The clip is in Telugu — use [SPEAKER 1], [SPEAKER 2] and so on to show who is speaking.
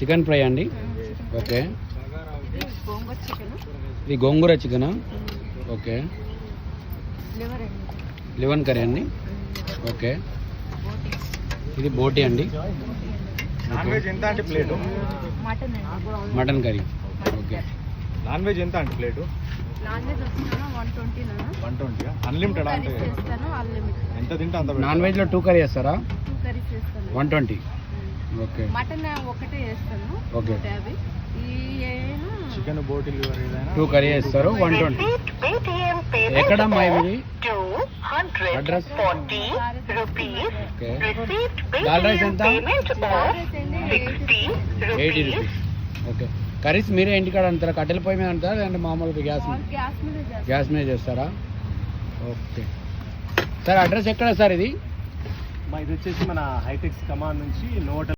[SPEAKER 1] చికెన్ ఫ్రై అండి. ఓకే. ఇది gongura chicken. Okay. Liver curry అండి. ఓకే. ఇది బోటి అండి.
[SPEAKER 2] నాన్ వెజ్ ఎంత అంటే plate?
[SPEAKER 1] Mutton curry. Okay.
[SPEAKER 2] Non veg ఎంత అంటే ప్లేటు?
[SPEAKER 3] నాన్ వెజ్ వచ్చేనా 120
[SPEAKER 2] 120 అన్లిమిటెడ్ అంటే ఎంత తింటే అంత.
[SPEAKER 1] నాన్ వెజ్లో 2 కర్రీ చేస్తారా?
[SPEAKER 3] 2 కర్రీస్ చేస్తాను.
[SPEAKER 1] 120. ఓకే.
[SPEAKER 3] మటన్ ఒకటే చేస్తాను.
[SPEAKER 1] ఓకే.
[SPEAKER 3] 150. ఈ
[SPEAKER 2] చికెన్ బోటి లివర్ ఏదైనా
[SPEAKER 1] 2 కర్రీ చేస్తారు 120. ఎక్కడమ్మా ఇది అడ్రస్? ఓకే. దాల్ రైస్ ఎంత? 80 రూపీస్. ఓకే. కర్రీస్ మీరే ఇంటికాడ అంటారా? కట్టెల పొయ్యి మీద అంటారా లేదంటే మామూలుగా గ్యాస్ మీద చేస్తారా? Okay sir. అడ్రస్ ఎక్కడ సార్ ఇది?
[SPEAKER 2] ఇది వచ్చేసి మన హైటెక్స్ కమాండ్ నుంచి నోట్